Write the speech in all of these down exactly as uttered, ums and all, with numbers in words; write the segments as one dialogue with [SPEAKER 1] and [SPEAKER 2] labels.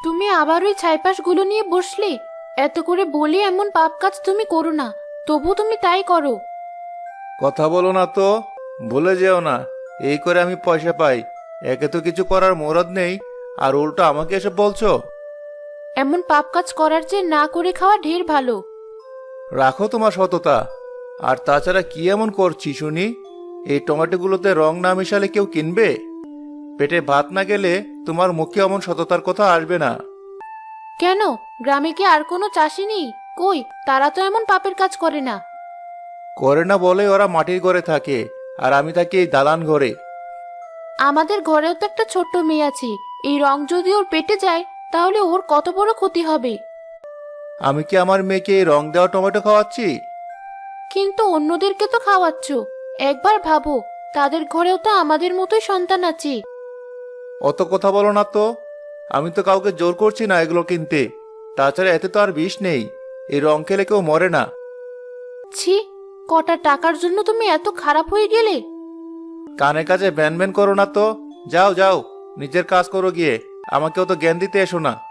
[SPEAKER 1] তুমি আবার ওই ছাইপাশগুলো নিয়ে বসলে। এত করে বলি এমন পাপ কাজ তুমি করো না, তবু তুমি তাই করো।
[SPEAKER 2] কথা বলো না তো, ভুলে যেও না এই করে আমি পয়সা পাই। একে তো কিছু করার মুরদ নেই, আর উল্টো আমাকে এসব বলছো।
[SPEAKER 1] এমন পাপ কাজ করার চেয়ে না করে খাওয়া ঢের ভালো।
[SPEAKER 2] রাখো তোমার সততা। আর তাছাড়া কি এমন করছি শুনি? এই টমেটোগুলোতে রং না মিশালে কেউ কিনবে? পেটে ভাত না গেলে তোমার মুখে এমন সততার কথা আসবে না।
[SPEAKER 1] কেন, গ্রামে কি আর কোনো চাষি নেই? কই, তারা তো এমন পাপের কাজ করে না।
[SPEAKER 2] করে না বলে ওরা মাটির ঘরে থাকে, আর আমি থাকি এই দালান ঘরে।
[SPEAKER 1] আমাদের ঘরেও তো একটা ছোট্ট মেয়ে আছে। এই রং যদি ওর পেটে যায়, তাহলে ওর কত বড় ক্ষতি হবে।
[SPEAKER 2] আমি কি আমার মেয়েকে এই রং দেওয়া টমেটো খাওয়াচ্ছি?
[SPEAKER 1] কিন্তু অন্যদেরকে তো খাওয়াচ্ছ। একবার ভাবো, তাদের ঘরেও তো আমাদের মতোই সন্তান আছে।
[SPEAKER 2] অত কথা বলো না তো। আমি তো কাউকে জোর করছি না এগুলো কিনতে। তাছাড়া এতে তো আর বিষ নেই। এই রং খেলে কেউ মরে না।
[SPEAKER 1] ছি, কটা টাকার জন্য তুমি এত খারাপ হয়ে গেলে?
[SPEAKER 2] কানে কাজে ব্যান ব্যান করো না তো। যাও যাও, নিজের কাজ করো গিয়ে। আমাকেও তো জ্ঞান দিতে এসো না।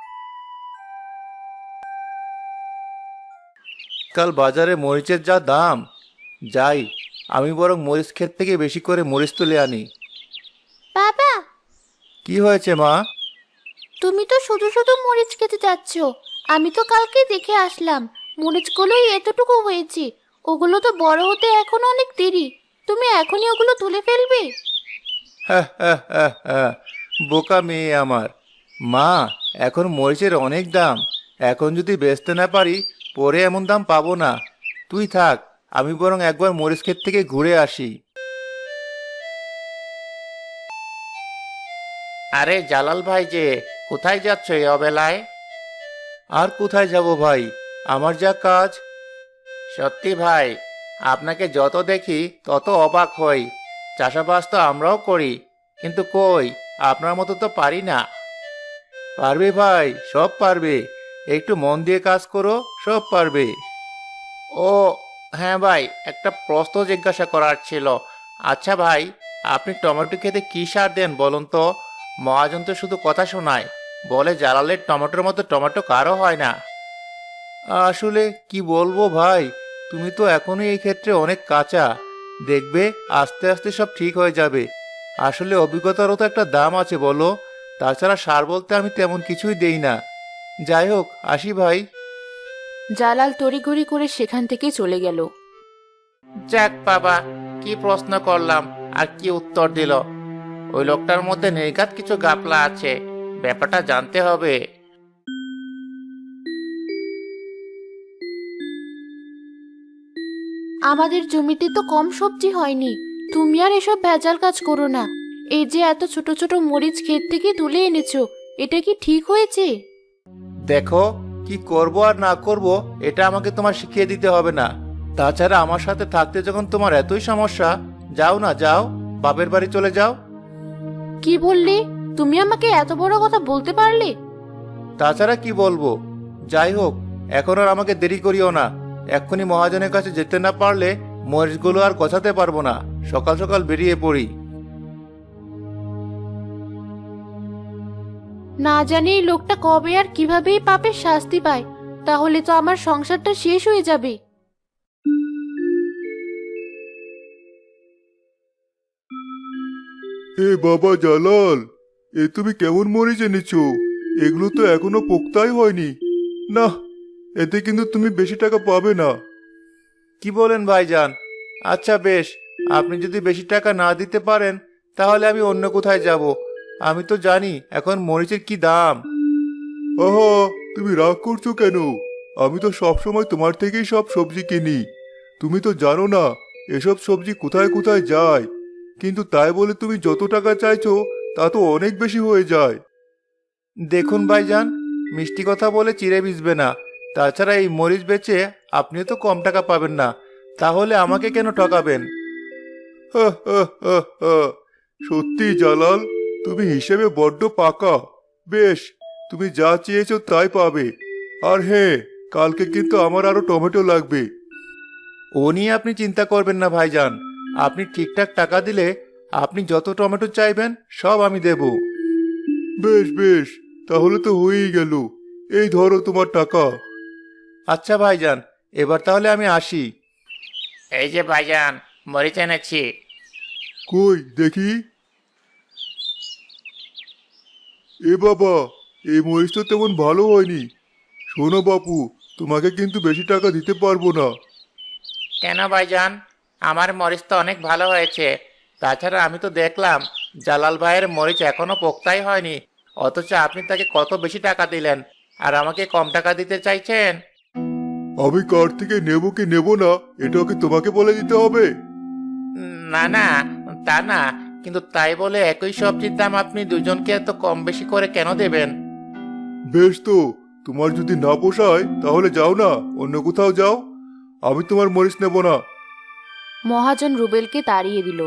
[SPEAKER 2] কাল বাজারে মরিচের যা দাম। যাই, আমি বরং মরিচ ক্ষেত থেকে বেশি করে মরিচ তুলে আনি।
[SPEAKER 1] বাবা,
[SPEAKER 2] কি হয়েছে মা?
[SPEAKER 1] তুমি তো শুধু শুধু মরিচ খেতে যাচ্ছ। আমি তো কালকে দেখে আসলাম, মরিচগুলোই এতটুকু হয়েছে। ওগুলো তো বড় হতে এখনো অনেক দেরি। তুমি এখনই ওগুলো তুলে ফেলবে?
[SPEAKER 2] হ্যাঁ হ্যাঁ হ্যাঁ হ্যাঁ, বোকা মেয়ে আমার। মা, এখন মরিচের অনেক দাম। এখন যদি বেচতে না পারি, পরে এমন দাম পাবো না। তুই থাক, আমি বরং একবার মরিচ ক্ষেত থেকে ঘুরে আসি। আরে জালাল ভাই যে, কোথায় যাচ্ছ এই অবেলায়? আর কোথায় যাব ভাই, আমার যা কাজ। সত্যি ভাই, আপনাকে যত দেখি তত অবাক হই। চাষাবাস তো আমরাও করি, কিন্তু কই, আপনার মতো তো পারি না। পারবে ভাই, সব পারবে। একটু মন দিয়ে কাজ করো, সব পারবে। ও হ্যাঁ ভাই, একটা প্রশ্ন জিজ্ঞাসা করার ছিল। আচ্ছা ভাই, আপনি টমেটো খেতে কি সার দেন বলুন তো? মহাজন তো শুধু কথা শোনায়, বলে জালালের টমেটোর মতো টমেটো কারো হয় না। আসলে কি বলবো ভাই, তুমি তো এখনো এই ক্ষেত্রে অনেক কাঁচা। দেখবে আস্তে আস্তে সব ঠিক হয়ে যাবে। আসলে অভিজ্ঞতারও তো একটা দাম আছে বলো। তাছাড়া সার বলতে আমি তেমন কিছুই দেই না। যাই হোক, আসি ভাই।
[SPEAKER 1] জালাল তড়িঘড়ি করে সেখান থেকে চলে গেল।
[SPEAKER 2] যাক বাবা, কি প্রশ্ন করলাম আর কি উত্তর দিল। ওই লোকটার মধ্যে নির্ঘাত কিছু গাপলা আছে, ব্যাপারটা জানতে হবে।
[SPEAKER 1] আমাদের জমিতে তো কম সবজি হয়নি। তুমি আর এসব ভেজাল কাজ করো না। এই যে এত ছোট ছোট মরিচ ক্ষেত থেকে তুলে এনেছো, এটা কি ঠিক হয়েছে?
[SPEAKER 2] দেখো, কি করব আর না করব এটা আমাকে তোমার শিখিয়ে দিতে হবে না। তাছাড়া আমার সাথে থাকতে যখন তোমার এতই সমস্যা, যাও না যাও, বাপের বাড়ি চলে যাও।
[SPEAKER 1] কি বললে? তুমি আমাকে এত বড় কথা বলতে পারলে?
[SPEAKER 2] তাছাড়া কি বলবো। যাই হোক, এখন আর আমাকে দেরি করিও না। এক্ষুনি মহাজনের কাছে যেতে না পারলে মরিচগুলো আর গোছাতে পারবো না। সকাল সকাল বেরিয়ে পড়ি।
[SPEAKER 1] না জানি এই লোকটা কবে আর কিভাবেই পাপের শাস্তি পায়। তাহলে তো আমার সংসারটা শেষ হয়ে যাবে।
[SPEAKER 3] এ বাবা জালাল, এ তুমি কেমন মরিচ এনেছো? এগুলো তো এখনো পোক্তাই হয়নি। না, এতে কিন্তু তুমি বেশি টাকা পাবে না।
[SPEAKER 2] কি বলেন ভাইজান? আচ্ছা বেশ, আপনি যদি বেশি টাকা না দিতে পারেন, তাহলে আমি অন্য কোথায় যাব। আমি তো জানি এখন মরিচের কি দাম।
[SPEAKER 3] আহা, তুমি রাগ করছো কেন? আমি তো সব সময় তোমার থেকেই সব সবজি কিনি। তুমি তো জানো না এসব সবজি কোথায় কোথায় যায়। কিন্তু তাই বলে তুমি যত টাকা চাইছো তা তো অনেক বেশি হয়ে যায়।
[SPEAKER 2] দেখুন ভাইজান, মিষ্টি কথা বলে চিড়ে ভিজবে না। তাছাড়া এই মরিচ বেচে আপনিও তো কম টাকা পাবেন না। তাহলে আমাকে কেন ঠকাবেন?
[SPEAKER 3] হা, হা, হা, হা। সত্যি জালাল, তুমি হিসেবে বড্ড পাকা। বেশ, তুমি যা চেয়েছো তাই পাবে। আর হ্যাঁ, কালকে কিন্তু আমার আরো টমেটো লাগবে।
[SPEAKER 2] ও নিয়ে আপনি চিন্তা করবেন না ভাইজান। আপনি ঠিকঠাক টাকা দিলে আপনি যত টমেটো চাইবেন সব আমি দেব।
[SPEAKER 3] বেশ বেশ, তাহলে তো হয়েই গেল। এই ধরো তোমার টাকা।
[SPEAKER 2] আচ্ছা ভাইজান, এবার তাহলে আমি আসি।
[SPEAKER 4] এই যে ভাইজান, মরিচ এনেছি।
[SPEAKER 3] কই দেখি। এ বাবা, এই মরিচ তো তেমন ভালো হয়নি। শোনো বাপু, তোমাকে কিন্তু বেশি টাকা দিতে পারবো না।
[SPEAKER 4] কেন ভাইজান? আমার মরিচ তো অনেক ভালো হয়েছে। তাছাড়া আমি তো দেখলাম জালাল ভাইয়ের মরিচ এখনো পোক্তাই হয়নি, অথচ আপনি তাকে কত বেশি টাকা দিলেন, আর আমাকে কম টাকা দিতে চাইছেন।
[SPEAKER 3] আমি কার থেকে নেবো কি নেবো না এটা কি তোমাকে বলে দিতে হবে?
[SPEAKER 4] উম, না না, তা না, কিন্তু তাই বলে একই সবজির দাম আপনি দুজনকে এত কম বেশি করে কেন দেবেন?
[SPEAKER 3] বেশ তো, তোমার যদি না পোষায় তাহলে যাও না, অন্য কোথাও যাও। আমি তোমার মরিচ নেব না।
[SPEAKER 1] মহাজন রুবেলকে তাড়িয়ে দিল।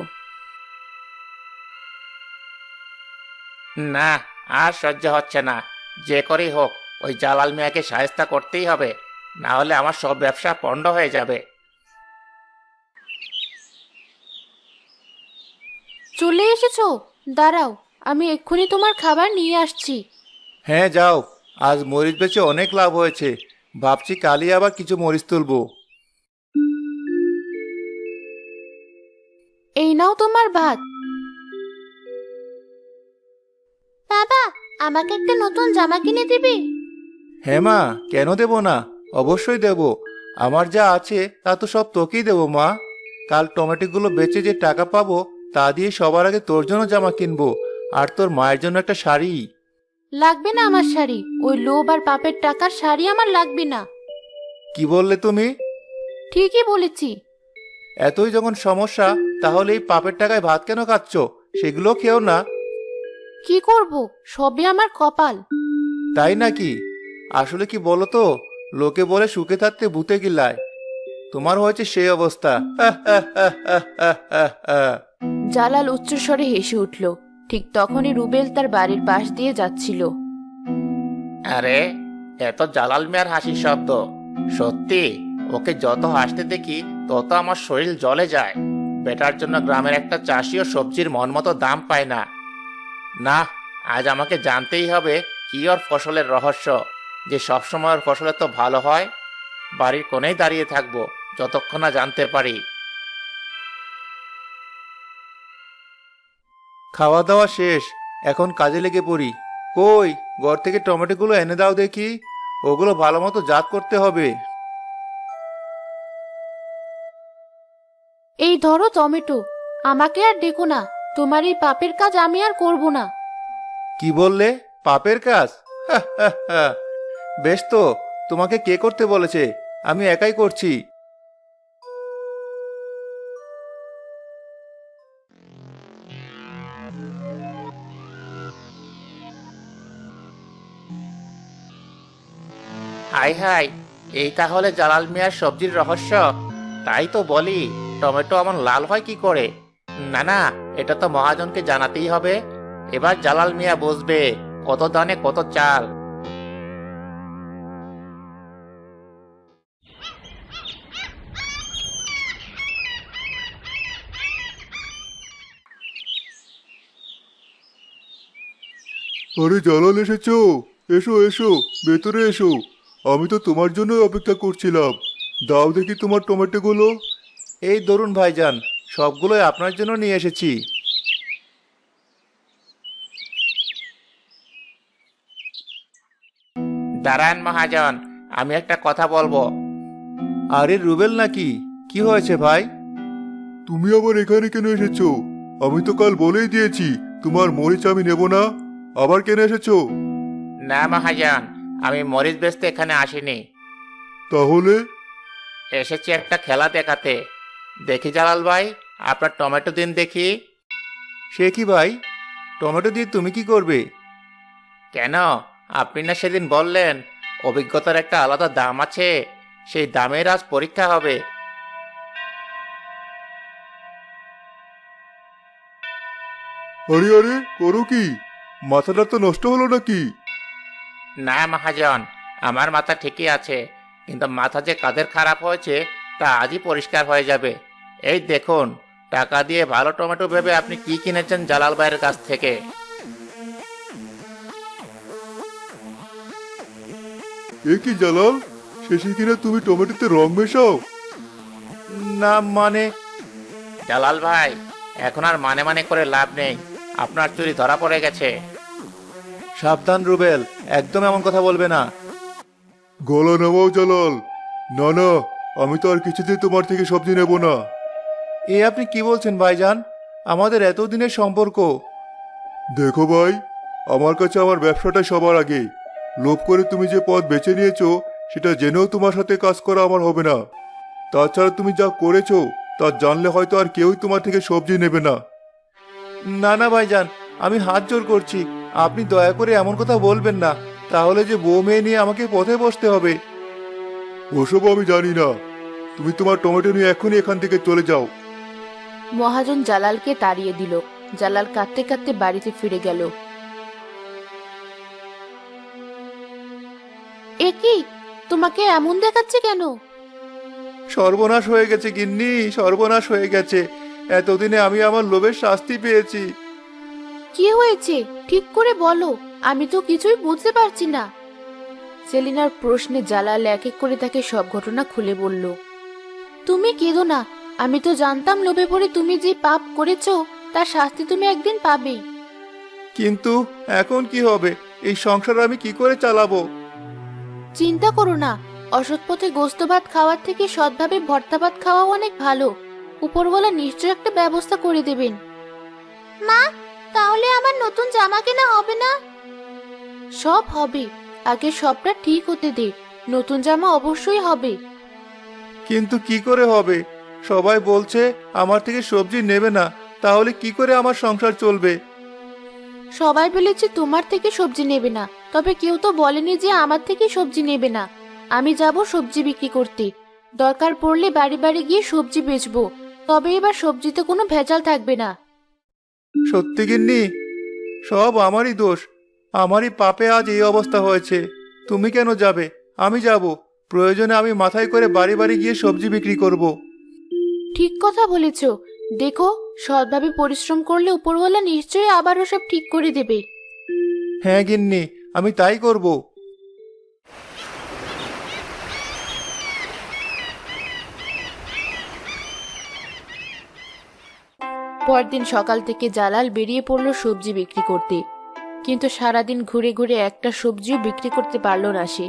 [SPEAKER 4] না, আর সহ্য হচ্ছে না। যে করেই হোক ওই জালাল মিয়াকে সায়স্তা করতেই হবে, না হলে আমার সব ব্যবসা পণ্ড হয়ে যাবে।
[SPEAKER 1] চলে এসেছো? দাঁড়াও, আমি এক্ষুনি তোমার খাবার নিয়ে আসছি।
[SPEAKER 2] হ্যাঁ যাও, আজ মরিচ বেচে অনেক লাভ হয়েছে। ভাবছি কালই আবার কিছু মরিচ তুলবো।
[SPEAKER 1] এই নাও তোমার ভাত। বাবা, আমাকে একটা নতুন জামা কিনে দিবি?
[SPEAKER 2] হ্যাঁ মা, কেন দেব না? অবশ্যই দেব। আমার যা আছে তা তো সব তোকেই দেবো মা। কাল টমেটোগুলো বেচে যে টাকা পাবো তা দিয়ে সবার আগে তোর জন্য জামা কিনবো, আর তোর মায়ের জন্য একটা শাড়ি।
[SPEAKER 1] লাগবে না আমার শাড়ি, ওই লোভ আর পাপের টাকার শাড়ি আমার লাগবে না।
[SPEAKER 2] কি বললে তুমি?
[SPEAKER 1] ঠিকই বলেছি।
[SPEAKER 2] এতই যখন সমস্যা, তাহলে এই পাপের টাকায় ভাত কেন খাচ্ছ? সেগুলো খেও না।
[SPEAKER 1] কি করব, সবই আমার কপাল।
[SPEAKER 2] তাই নাকি? আসলে কি বলো তো, লোকে বলে সুখে থাকতে ভূতে গিলায়। তোমার হয়েছে সেই অবস্থা।
[SPEAKER 1] জালাল উচ্চস্বরে হেসে উঠল। ঠিক তখনই রুবেল তার বাড়ির পাশ দিয়ে যাচ্ছিল।
[SPEAKER 4] আরে, এত জালাল মিয়ার হাসির শব্দ! সত্যি, ওকে যত হাসতে দেখি তত আমার শরীর জ্বলে যায়। বেটার জন্য গ্রামের একটা চাষিও সবজির মন মতো দাম পায় না। না, আজ আমাকে জানতেই হবে কি ওর ফসলের রহস্য, যে সবসময় ওর ফসল তো ভালো হয়। বাড়ির কোণেই দাঁড়িয়ে থাকবো যতক্ষণ না জানতে পারি।
[SPEAKER 2] খাওয়া দাওয়া শেষ, এখন কাজে লেগে পড়ি। কই, ঘর থেকে টমেটোগুলো এনে দাও দেখি। ওগুলো ভালো মতো জাত করতে হবে।
[SPEAKER 1] এই ধরো টমেটো। আমাকে আর ডেকো না, তোমার এই পাপের কাজ আমি আর করব না।
[SPEAKER 2] কি বললে? পাপের কাজ? বেশ তো, তোমাকে কে করতে বলেছে? আমি একাই করছি।
[SPEAKER 4] হাই হাই, এই তাহলে জালাল মিয়ার সবজির রহস্য। তাই তো বলি, টমেটো এমন লাল হয় কি করে? না না, এটা তো মহাজনকে জানাতেই হবে। এবার জালাল মিয়া বুঝবে কত দানে কত চাল।
[SPEAKER 3] আরে জালাল এসেছো? এসো এসো, ভেতরে এসো। আমি তো তোমার জন্যই অপেক্ষা করছিলাম। দাও দেখি তোমার টমেটোগুলো।
[SPEAKER 2] এই ধরুন ভাইজান, সবগুলোই আপনার জন্য নিয়ে এসেছি।
[SPEAKER 4] দাঁড়ান মহাজন, আমি একটা কথা বলবো।
[SPEAKER 2] আরে রুবেল নাকি? কি হয়েছে ভাই?
[SPEAKER 3] তুমি আবার এখানে কেন এসেছো? আমি তো কাল বলেই দিয়েছি তোমার মরিচ আমি নেব না। আবার কেন এসেছো?
[SPEAKER 4] না মহাজন, আমি মরিচ বেচতে এখানে আসিনি।
[SPEAKER 3] তাহলে?
[SPEAKER 4] এসেছি একটা খেলা দেখাতে। দেখি জালাল ভাই, আপনার টমেটো দিন দেখি।
[SPEAKER 2] সে কি ভাই, টমেটো দিয়ে তুমি কি করবে?
[SPEAKER 4] কেন, আপনি না সেদিন বললেন অভিজ্ঞতার একটা আলাদা দাম আছে, সেই দামের আজ পরীক্ষা হবে।
[SPEAKER 3] আরে আরে, করো কি? মাথাটা তো নষ্ট হলো নাকি?
[SPEAKER 4] না মহাজন, আমার মাথা ঠিকই আছে, কিন্তু মাথা যে কাদের খারাপ হয়েছে তা আজই পরিষ্কার হয়ে যাবে। এই দেখুন, টাকা দিয়ে ভালো টমেটো ভেবে আপনি কি কিনেছেন জালাল ভাইয়ের কাছ থেকে।
[SPEAKER 3] এ কি জালাল, শেষে কিনা তুমি টমেটোতে রং মেশাও?
[SPEAKER 2] না মানে,
[SPEAKER 4] জালাল ভাই, এখন আর মানে মানে করে লাভ নেই, আপনার চুরি ধরা পড়ে গেছে।
[SPEAKER 2] সাবধান রুবেল, একদম এমন কথা বলবে না।
[SPEAKER 3] গলা নামাও জালাল। না না, আমি তো আর কিছুতেই তোমার থেকে সবজি নেব না।
[SPEAKER 2] এ আপনি কি বলছেন ভাইজান? আমাদের এতদিনের সম্পর্ক।
[SPEAKER 3] দেখো ভাই, আমার কাছে আমার ব্যবসাটাই সবার আগে। লোভ করে তুমি যে পথ বেছে নিয়েছো সেটা জেনেও তোমার সাথে কাজ করা আমার হবে না। তাছাড়া তুমি যা করেছো তা জানলে হয়তো আর কেউই তোমার থেকে সবজি নেবে না।
[SPEAKER 2] না না ভাইজান, আমি হাত জোর করছি, আপনি দয়া করে এমন কথা বলবেন না, তাহলে যে বউ মেয়ে নিয়ে আমাকে পথে বসতে হবে।
[SPEAKER 3] ওসব আমি জানি না। তুমি তোমার টমেটো নিয়ে এখনই এখান থেকে চলে যাও।
[SPEAKER 1] মহাজন জালালকে তাড়িয়ে দিল। জালাল কাঁদতে কাঁদতে বাড়িতে ফিরে গেল। এ কি, তোমাকে এমন দেখাচ্ছে কেন?
[SPEAKER 2] সর্বনাশ হয়ে গেছে গিন্নি, সর্বনাশ হয়ে গেছে। এতদিনে আমি আমার লোভের শাস্তি পেয়েছি।
[SPEAKER 1] কি হয়েছে ঠিক করে বলো, আমি তো কিছুই বুঝতে পারছি না। সেলিনার প্রশ্নে জালাল এক এক করে তাকে সব ঘটনা খুলে বলল। তুমি কেঁদো না, আমি তো জানতাম লোভে পড়ে তুমি যে পাপ করেছো তার শাস্তি তুমি একদিন পাবেই।
[SPEAKER 2] কিন্তু এখন কি হবে? এই সংসার আমি কি করে চালাবো?
[SPEAKER 1] চিন্তা করো না, অসৎ পথে গোস্ত ভাত খাওয়ার থেকে সৎভাবে ভর্তা ভাত খাওয়া অনেক ভালো। উপরওয়ালা নিশ্চয় একটা ব্যবস্থা করে দেবেন। মা, তাহলে আমার নতুন জামা কেনা হবে না? সব হবে, আগে সবটা ঠিক হতে দে, নতুন জামা অবশ্যই হবে।
[SPEAKER 2] কিন্তু কি করে হবে? সবাই বলছে আমার থেকে সবজি নেবে না, তাহলে কি করে আমার সংসার চলবে?
[SPEAKER 1] সবাই বলেছে তোমার থেকে সবজি নেবে না, তবে কেউ তো বলেনি যে আমার থেকে সবজি নেবে না। আমি যাব সবজি বিক্রি করতে, দরকার পড়লে বাড়ি বাড়ি গিয়ে সবজি বেচবো, তবে এবার সবজিতে কোনো ভেজাল থাকবে না।
[SPEAKER 2] সত্যি গিন্নি? সব আমারই দোষ, আমারই পাপে আজ এই অবস্থা হয়েছে। তুমি কেন যাবে? আমি যাব। প্রয়োজনে আমি মাথায় করে বাড়ি বাড়ি গিয়ে সবজি বিক্রি করব।
[SPEAKER 1] ঠিক কথা বলেছ, দেখো সৎভাবে পরিশ্রম করলে উপরওয়ালা নিশ্চয়ই আবারও সব ঠিক করে দেবে।
[SPEAKER 2] হ্যাঁ গিন্নি, আমি তাই করব।
[SPEAKER 1] পরদিন সকাল থেকে জালাল বেরিয়ে পড়ল সবজি বিক্রি করতে, কিন্তু সারাদিন ঘুরে ঘুরে একটা সবজিও বিক্রি করতে পারল না সে।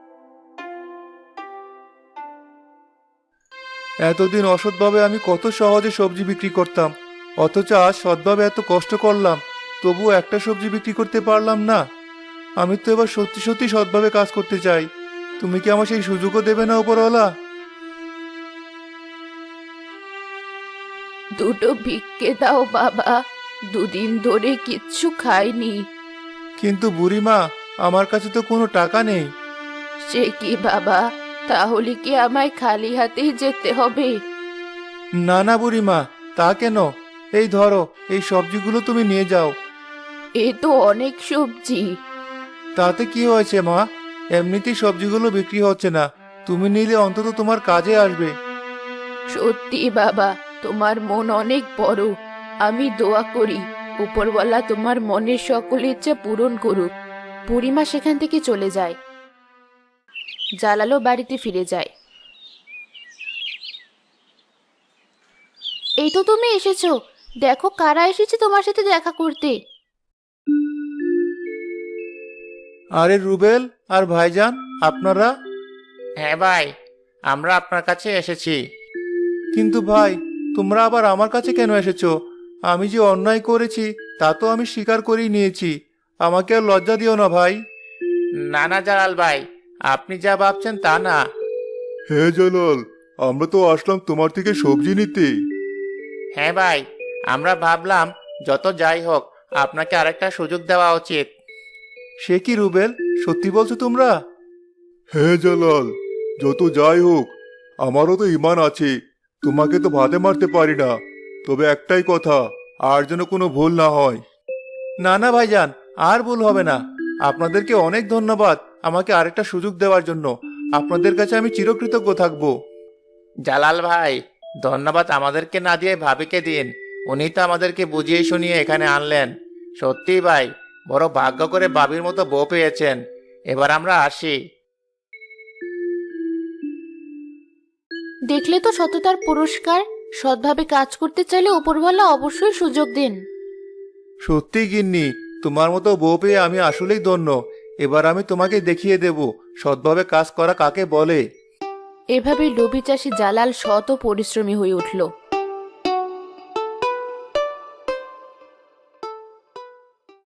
[SPEAKER 2] এতদিন অসৎভাবে আমি কত সহজে সবজি বিক্রি করতাম, অথচ আজ সৎভাবে এত কষ্ট করলাম, তবুও একটা সবজি বিক্রি করতে পারলাম না। আমি তো এবার সত্যি সত্যি সৎভাবে কাজ করতে চাই। তুমি কি আমার সেই সুযোগও দেবে না উপরওয়ালা?
[SPEAKER 1] দুটো ভিক্ষে দাও বাবা, দুদিন ধরে কিচ্ছু খাইনি।
[SPEAKER 2] কিন্তু বুড়িমা, আমার কাছে তো কোনো টাকা নেই।
[SPEAKER 1] সে কি বাবা, তাহলে কি আমায় খালি হাতেই যেতে হবে?
[SPEAKER 2] না না বুড়িমা, তা কেন? এই ধরো, এই সবজিগুলো তুমি নিয়ে যাও।
[SPEAKER 1] এ তো অনেক সবজি।
[SPEAKER 2] তাতে কি হয়েছে মা? এমনিতেই সবজিগুলো বিক্রি হচ্ছে না, তুমি নিলে অন্তত তোমার কাজে আসবে।
[SPEAKER 1] সত্যি বাবা, তোমার মন অনেক বড়। আমি দোয়া করি উপরওয়ালা তোমার মনের সকল ইচ্ছা পূরণ করুক। বুড়িমা সেখান থেকে চলে যায়। জালালও বাড়িতে ফিরে যায়। এই তো তুমি এসেছো, দেখো কারা এসেছে তোমার সাথে দেখা করতে।
[SPEAKER 2] আরে রুবেল আর ভাইজান, আপনারা?
[SPEAKER 4] হ্যাঁ ভাই, আমরা আপনার কাছে এসেছি।
[SPEAKER 2] কিন্তু ভাই, তোমরা আবার আমার কাছে কেন এসেছো? আমি যে অন্যায় করেছি তা তো আমি স্বীকার করেই নিয়েছি। আমাকে আর লজ্জা দিও না ভাই।
[SPEAKER 4] না না জালাল ভাই, আপনি যা ভাবছেন তা না।
[SPEAKER 3] হ্যাঁ জালাল, আমরা তো আসলাম তোমার থেকে সবজি নিতে।
[SPEAKER 4] হ্যাঁ ভাই, আমরা ভাবলাম যত যাই হোক আপনাকে আরেকটা সুযোগ দেওয়া উচিত।
[SPEAKER 2] সে কি রুবেল, সত্যি বলছো তোমরা?
[SPEAKER 3] হ্যাঁ জালাল, যত যাই হোক আমারও তো ইমান আছে, তোমাকে তো ভাতে মারতে পারি না। তবে একটাই কথা, আর যেন কোনো ভুল না হয়।
[SPEAKER 2] না না ভাইজান, আর ভুল হবে না। আপনাদেরকে অনেক ধন্যবাদ আমাকে আরেকটা সুযোগ দেওয়ার জন্য। আপনাদের কাছে আমি চিরকৃতজ্ঞ থাকবো।
[SPEAKER 4] জালাল ভাই, ধন্যবাদ আমাদেরকে না দিয়ে ভাবিকে দিন, উনি তো আমাদেরকে বুঝিয়ে শুনিয়ে এখানে আনলেন। সত্যি ভাই, বড় ভাগ্য করে ভাবির মতো বউ পেয়েছেন। এবার আমরা আসি।
[SPEAKER 1] দেখলে তো সততার পুরস্কার। সৎভাবে কাজ করতে চাইলে উপরওয়ালা অবশ্যই সুযোগ দেন।
[SPEAKER 3] সত্যি গিন্নি, তোমার মতো বউ পেয়ে আমি আসলেই ধন্য। এবার আমি তোমাকে দেখিয়ে দেব সৎভাবে কাজ করা কাকে বলে।
[SPEAKER 1] এভাবে লোভী চাষি জালাল সৎ ও পরিশ্রমী হয়ে উঠল।